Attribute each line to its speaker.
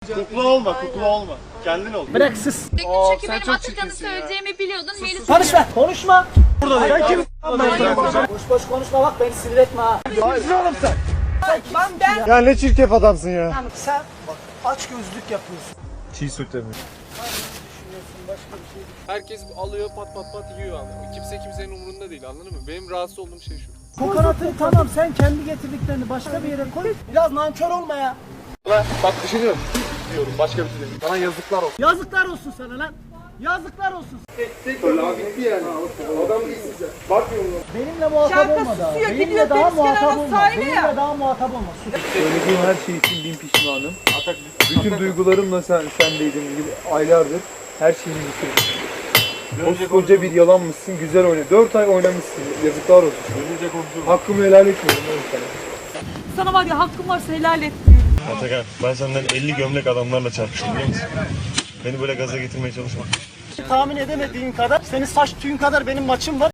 Speaker 1: Kukla olma, kukla olma. Kendin ol.
Speaker 2: Bırak sus.
Speaker 3: Çünkü
Speaker 1: sen
Speaker 3: benim
Speaker 1: çok
Speaker 3: Atakan'ı
Speaker 1: çirkinsin ya.
Speaker 3: söyleyeceğimi biliyordun. Melis
Speaker 2: Konuşma. Konuşma.
Speaker 1: Burada değil. Sen kim?
Speaker 2: Boş boş konuşma bak beni sinir etme ha.
Speaker 1: oğlum sen.
Speaker 2: Ben
Speaker 1: Ya ne çirkef adamsın ya.
Speaker 2: sen bak aç gözlük yapıyorsun.
Speaker 1: Çiğ süt mi?
Speaker 4: Herkes alıyor pat pat pat yiyor ama kimse kimsenin umurunda değil, anladın mı? Benim rahatsız olduğum şey şu.
Speaker 2: Kokonatı tamam sen kendi getirdiklerini başka bir yere koy. Biraz nankör olma ya.
Speaker 1: Bak düşünüyorum. Diyorum başka bir şey değil. Sana yazıklar olsun.
Speaker 2: Yazıklar olsun sana lan. Yazıklar olsun.
Speaker 1: Öyle abi bitti yani. Adam değilsin sen. Bakmıyorum.
Speaker 2: Benimle muhatap olma daha. Benimle daha muhatap olma. Benimle daha muhatap olma. Sus.
Speaker 5: Söylediğim her şey için bin pişmanım. Bütün duygularımla sendeydim aylardır. Her şeyini bitirdim. Koskoca bir yalanmışsın, güzel oyna. 4 ay oynamışsın, yazıklar olsun. Hakkımı helal etmiyorum oğlum sana.
Speaker 6: Sana var ya hakkım varsa helal et.
Speaker 7: Atakan, ben senden 50 gömlek adamlarla çarpıştım biliyor musun? Beni böyle gaza getirmeye çalışma.
Speaker 2: Tahmin edemediğin kadar, senin saç tüyün kadar benim maçım var.